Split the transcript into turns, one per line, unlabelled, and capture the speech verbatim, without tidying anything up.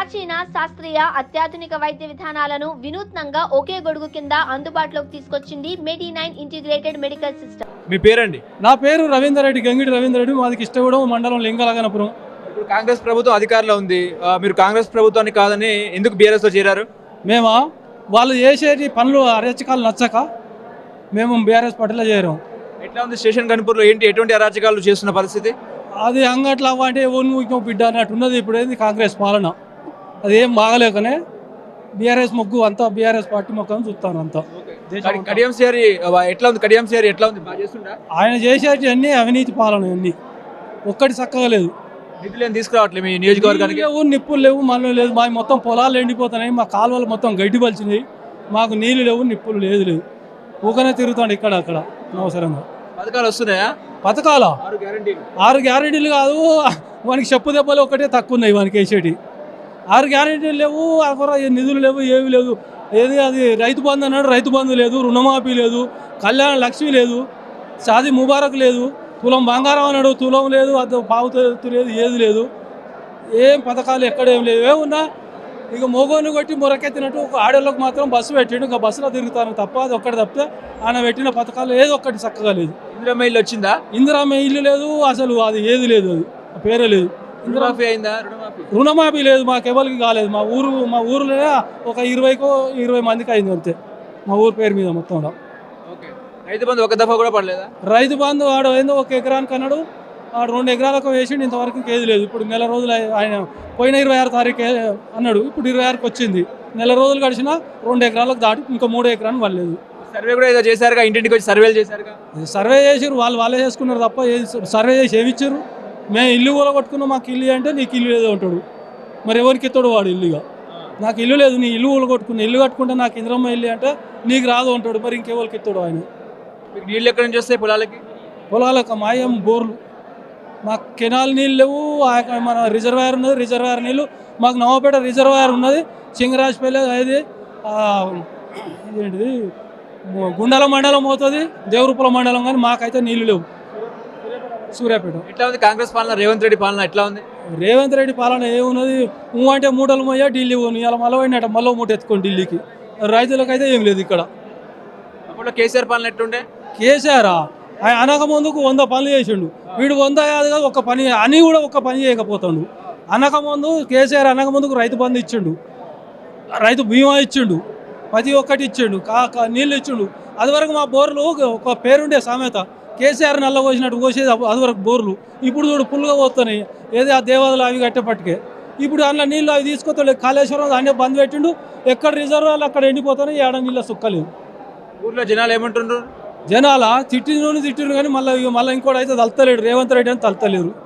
ప్రాచీన శాస్త్రీయ అత్యాధునిక వైద్య విధానాలను వినూత్నంగా ఒకే గొడుగు కింద అందుబాటులోకి తీసుకొచ్చింది Medi nine integrated medical system.
మీ పేరండి?
నా పేరు రవీందర్ రెడ్డి, గంగిడి రవీందర్ రెడ్డి. మాది కిష్టగూడెం మండలం లింగలగనపురం.
ఇప్పుడు కాంగ్రెస్ ప్రభుత్వం అధికారంలో ఉంది. ఆ, మీరు కాంగ్రెస్ ప్రభుత్వాన్ని కాదని ఎందుకు బీఆర్ఎస్ లో చేరారు?
మేమా వాళ్ళు చేసేటి పనులు అరచకాలు నచ్చక మేము బీఆర్ఎస్ పార్టీలో చేరాం.
ఎట్లా ఉంది స్టేషన్ కనుపూర్లో? ఏంటి ఎటువంటి అరాచకాలు చేస్తున్న పరిస్థితి?
అది అంగట్లా అంటే ఓను బిడ్డ అన్నట్టు ఉన్నది. ఇప్పుడు ఏంది కాంగ్రెస్ పాలన, అది ఏం బాగలేకనే బీఆర్ఎస్ మొగ్గు అంతా బీఆర్ఎస్ పార్టీ మొక్కని చూస్తాను అంతా.
కడి- కడియం సిఆర్ ఎట్లా ఉంది? కడియం సిఆర్ ఎట్లా ఉంది? బాగా చేస్తుందా?
ఆయన చేసేటి అన్ని అవినీతి పాలన, అన్ని ఒక్కటి చక్కగా లేదు.
నిధులు ఏం తీసుకురావట్లేదు మీ నియోజకవర్గానికి?
నీళ్ళు లేవు, నిప్పులు లేవు, మన్ను లేదు. మా మొత్తం పొలాలు ఎండిపోతున్నాయి, మా కాలువలు మొత్తం గడ్డి పలిచినాయి. మాకు నీళ్ళు లేవు, నిప్పులు లేదు లేదు ఊకనే తిరుగుతాడు ఇక్కడ అక్కడ అనవసరంగా.
పథకాలు వస్తున్నాయా?
పథకాలా?
ఆరు గ్యారెంటీలు.
ఆరు గ్యారెంటీలు కాదు, వానికి చెప్పు దెబ్బలు ఒకటే తక్కువ ఉన్నాయి వానికి వేసేటి. ఆరు గ్యారెంటీలు లేవు, అక్కడ నిధులు లేవు, ఏవి లేదు. ఏది అది రైతు బంధు అన్నాడు, రైతు బంధు లేదు, రుణమాఫీ లేదు, కళ్యాణ లక్ష్మి లేదు, షాదీ ముబారక్ లేదు, తులం బంగారం అన్నాడు, తులం లేదు, అది పావుతు లేదు, ఏది లేదు. ఏం పథకాలు ఎక్కడేం లేవు. ఏమున్నా ఇక మోగోని కొట్టి మొరకెత్తినట్టు ఒక ఆడోళ్ళకి మాత్రం బస్సు పెట్టిండు, ఇంకా బస్సులో తిరుగుతాను తప్ప అది ఒక్కటి తప్పితే ఆయన పెట్టిన పథకాలు ఏదో ఒక్కటి చక్కగా లేదు.
ఇందిరమ్మ ఇల్లు వచ్చిందా?
ఇందిరామ్మ ఇల్లు లేదు, అసలు అది ఏది లేదు, అది ఆ పేరే లేదు.
రుణమాఫీ అయిందా? రుణమాఫీ
రుణమాఫీ లేదు, మాకెవరికి కాలేదు. మా ఊరు మా ఊరిలో ఒక ఇరవైకో ఇరవై మందికి అయింది అంతే, మా ఊరు పేరు మీద మొత్తంలో.
ఓకే. రైతు బంధు ఒక దఫా కూడా పడలేదా?
రైతు బంధు ఆడు ఏందో ఒక ఎకరానికి అన్నాడు, ఆడు రెండు ఎకరాలకు వేసిండు, ఇంతవరకు ఏది లేదు. ఇప్పుడు నెల రోజులు అయి- ఆయన పోయిన ఇరవై ఆరు తారీఖు అన్నాడు, ఇప్పుడు ఇరవై ఆరుకి వచ్చింది. నెల రోజులు గడిచినా రెండు ఎకరాలకు దాటి ఇంకా మూడు ఎకరాలు పడలేదు.
సర్వే కూడా ఏదో చేశారుగా, ఇంటింటికి వచ్చి సర్వేలు చేశారుగా.
సర్వే చేసారు, వాళ్ళు వాళ్ళే చేసుకున్నారు తప్ప ఏది సర్వే చేసి ఏమిచ్చారు? మేము ఇల్లు కూడా కొట్టుకున్నాం, మాకు ఇల్లు అంటే నీకు ఇల్లు లేదో ఉంటాడు. మరి ఎవరికి ఇస్తాడు వాడు ఇల్లుగా? నాకు ఇల్లు లేదు, నీ ఇల్లు కూడా కొట్టుకున్నా, ఇల్లు కట్టుకుంటే నాకు ఇంద్రమ్మ ఇల్లు అంటే నీకు రాదు అంటాడు. మరి ఇంకెవరికి ఇస్తాడు ఆయన?
మీకు నీళ్ళు ఎక్కడి నుంచి వస్తాయి పొలాలకి?
పొలాలకు మాయం బోర్లు, మాకు కెనాల్ నీళ్ళు లేవు. ఆ మన రిజర్వాయర్ ఉన్నది, రిజర్వాయర్ నీళ్ళు మాకు నవాపేట రిజర్వాయర్ ఉన్నది, చింగరాజపల్లి అది ఇదేంటిది గుండాల మండలం అవుతుంది, దేవరూపల మండలం, కానీ మాకైతే నీళ్ళు లేవు. సూర్యాపేట.
ఎట్లా ఉంది కాంగ్రెస్ పాలన? రేవంత్ రెడ్డి పాలన ఎట్లా ఉంది?
రేవంత్ రెడ్డి పాలన ఏమున్నది? ఊ అంటే మూటలు పోయా ఢిల్లీ పోను, ఇలా మళ్ళీ పోయినట్ట మళ్ళీ మూట ఎత్తుకోండి ఢిల్లీకి. రైతులకైతే ఏం లేదు ఇక్కడ.
అప్పుడు కేసీఆర్ పాలన ఎట్లుండే?
కేసీఆర్ ఆయన అనక ముందుకు వంద పనులు చేసిండు, వీడు వంద కాదు కాదు ఒక్క పని అని కూడా ఒక్క పని చేయకపోతాడు. అనక ముందు కేసీఆర్ అనక ముందుకు రైతు బంధు ఇచ్చిండు, రైతు బీమా ఇచ్చిండు, ప్రతి ఒక్కటి ఇచ్చిండు, కా కా- నీళ్ళు ఇచ్చిండు. అది వరకు మా బోర్లు ఒక పేరుండే సామెత, కేసీఆర్ నల్ల పోసినట్టు పోసేది అది వరకు బోర్లు. ఇప్పుడు చూడు పుల్లుగా పోతున్నాయి, ఏది ఆ దేవాదులు అవి కట్టేపట్టుకే. ఇప్పుడు అందులో నీళ్ళు అవి తీసుకొస్తాడు, కాళేశ్వరం అన్నీ బంద్ పెట్టిండు, ఎక్కడ రిజర్వాయర్లు అక్కడ ఎండిపోతున్నాయి, ఏడ నీళ్ళ సుక్కలేదు.
ఊర్లో జనాలు ఏమంటుండ్రు?
జనాల తిట్టిన తిట్టిరు కానీ మళ్ళీ మళ్ళీ ఇంకోటి అయితే తలతలేడు, రేవంత్ రెడ్డి అని తలతలేరు.